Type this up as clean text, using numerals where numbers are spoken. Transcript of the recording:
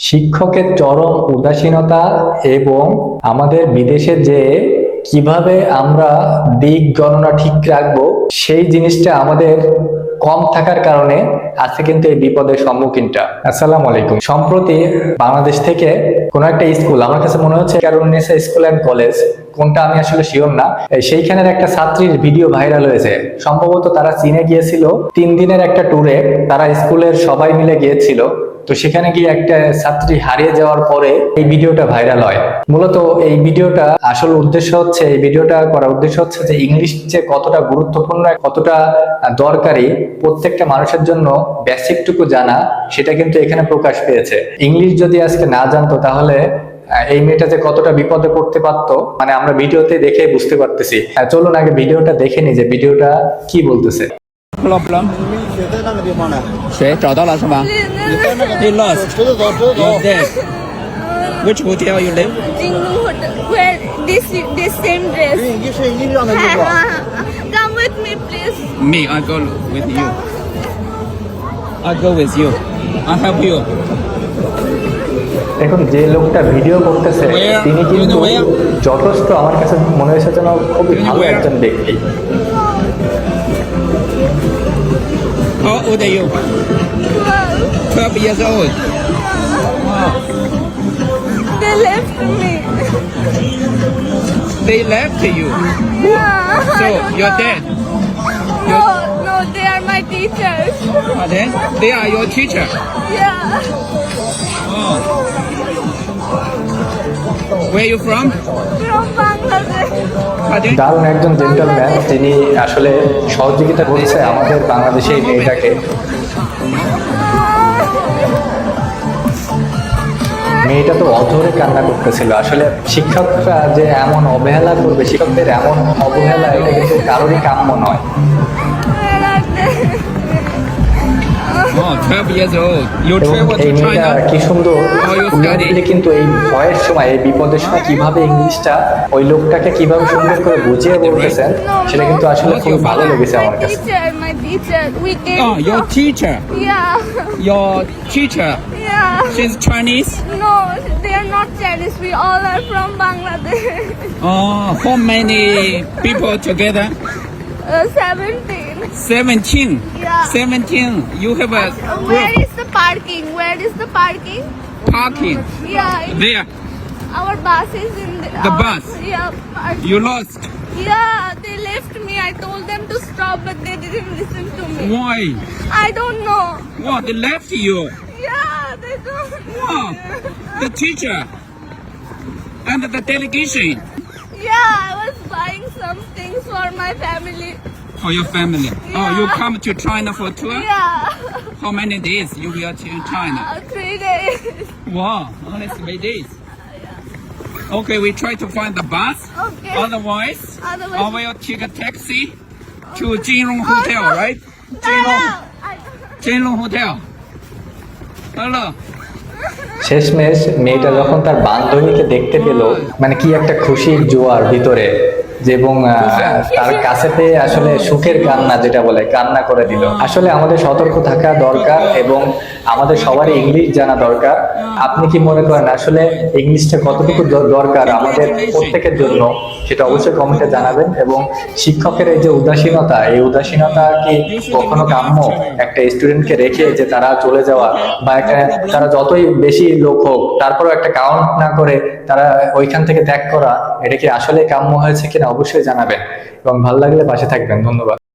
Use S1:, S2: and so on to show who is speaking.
S1: শিক্ষকের চরম উদাসীনতা এবং আমাদের বিদেশে যে কিভাবে আমরা দিক গণনা ঠিক রাখবো সেই জিনিসটা আমাদের কম থাকার কারণে আজকে কিন্তু এই বিপদের সম্মুখীনটা। আসসালামু আলাইকুম। সম্প্রতি বাংলাদেশ থেকে কোন একটা স্কুল, আমার কাছে মনে হচ্ছে ক্যারুনিসা স্কুল অ্যান্ড কলেজ, কোনটা আমি আসলে শিওর না, সেইখানের একটা ছাত্রীর ভিডিও ভাইরাল হয়েছে। সম্ভবত তারা চীনে গিয়েছিল 3 দিনের একটা ট্যুরে, তারা স্কুলের সবাই মিলে গিয়েছিল। তো সেখানে গিয়ে একটা ছাত্রী হারিয়ে যাওয়ার পরে এই ভিডিওটা ভাইরাল হয়। মূলত এই ভিডিওটা আসল উদ্দেশ্য হচ্ছে, এই ভিডিওটা করার উদ্দেশ্য হচ্ছে যে ইংলিশ যে কতটা গুরুত্বপূর্ণ, কতটা দরকারি প্রত্যেকটা মানুষের জন্য বেসিকটুকু জানা, সেটা কিন্তু এখানে প্রকাশ পেয়েছে। ইংলিশ যদি আজকে না জানতো তাহলে এই মেয়েটা যে কতটা বিপদে পড়তে পারতো, মানে আমরা ভিডিওতে দেখে বুঝতে পারতেছি। চলুন আগে ভিডিওটা দেখে নি যে ভিডিওটা কি বলতেছে।
S2: Problem？
S3: 谁在那个地方呢？
S2: 谁找到了是吗？He lost.
S3: 知道走，知道
S2: He's
S3: 走。
S2: dead. Which hotel you live?
S4: Jinglu Hotel. Where this same dress.
S3: 你是一样的地方。
S4: Come with me, please.
S2: Me, I go with you. I go with you. I help you.
S1: এখন যে লোকটা video করতেছে তিনি কিন্তু যথেষ্ট, আমার কাছে মনে হয়েছে যেন খুবই ভালো একজন ব্যক্তি।
S2: How old are you? 12 years old. Wow.
S4: They left me.
S2: They left you.
S4: Yeah.
S2: So
S4: I don't
S2: you're
S4: know.
S2: dead.
S4: No, they are my teachers.
S2: Are they? They are your teacher.
S4: Yeah.
S2: Oh. Where are you from?
S4: From Bangladesh.
S2: Pardon?
S1: দারুণ একজন gentleman, তিনি আসলে সহযোগিতা করছে আমাদের বাংলাদেশে এই মেয়েটাকে। মেয়েটা তো অধরে কান্না করতেছিল। আসলে শিক্ষকরা যে এমন অবহেলা করবে, শিক্ষকদের এমন অবহেলা, এটা কিন্তু কারোরই কাম্য নয়।
S4: Where are they?
S2: Oh, 12 years old. You
S1: এবং
S2: travel
S1: এই
S2: to
S1: মেয়েটা
S2: China?
S1: কি সুন্দর
S2: Oh, you study?
S1: উনি কিন্তু এই ভয়ের সময়, এই বিপদের সময় কিভাবে ইংলিশটা ওই লোকটাকে কিভাবে সুন্দর করে বুঝিয়ে বলতেছেন, সেটা কিন্তু আসলে খুব ভালো লেগেছে আমার কাছে।
S4: My teacher. We came
S2: Oh, your
S4: from-
S2: teacher.
S4: Yeah.
S2: Your teacher.
S4: Yeah.
S2: She's Chinese?
S4: No, they are not Chinese. We all are from Bangladesh.
S2: Oh, how many people together?
S4: 17.
S2: 17.
S4: Yeah.
S2: 17. You have a
S4: Where
S2: group
S4: is the parking? Where is the parking?
S2: parking
S4: Yeah,
S2: there.
S4: our bus is in
S2: The
S4: our-
S2: bus?
S4: Yeah, parking.
S2: You lost.
S4: Yeah, they left me. I told them to stop, but they didn't listen to me.
S2: Why?
S4: I don't know.
S2: What? They left you.
S4: Yeah, they don't.
S2: Wow. The teacher and the delegation
S4: Yeah, I was buying some things for my family.
S2: for your family. Oh, you
S4: Yeah.
S2: come to China for a tour?
S4: Yeah,
S2: How many days you will to China?
S4: 3 days.
S2: Wow, only 3 days. Okay, we try to find the bus.
S4: Okay.
S2: Otherwise,
S4: Otherwise-
S2: I will take a taxi to Jinrong Hotel, right?
S4: No, no.
S2: Jinrong Hotel. Hello.
S1: শেষমেশ মেয়েটা যখন তার বান্ধবীকে দেখতে পেল, মানে কি একটা খুশির জোয়ার ভিতরে, যে এবং তার কাছে পেয়ে আসলে সুখের কান্না, যেটা বলে, কান্না করে দিল। আসলে আমাদের সতর্ক থাকা দরকার এবং আমাদের সবারই ইংলিশ জানা দরকার। আপনি কি মনে করেন আসলে ইংলিশটা কতটুকু দরকার আমাদের প্রত্যেকের জন্য, সেটা অবশ্যই কমেন্টে জানাবেন। এবং শিক্ষকের এই যে উদাসীনতা, এই উদাসীনতা কি কখনো কাম্য একটা স্টুডেন্টকে রেখে যে তারা চলে যাওয়া, বা একটা তারা যতই বেশি লোক হোক তারপরেও একটা কাউন্ট না করে তারা ওইখান থেকে ত্যাগ করা, এটা কি আসলে কাম্য হয়েছে কিনা অবশ্যই জানাবেন এবং ভালো লাগলে পাশে থাকবেন। ধন্যবাদ।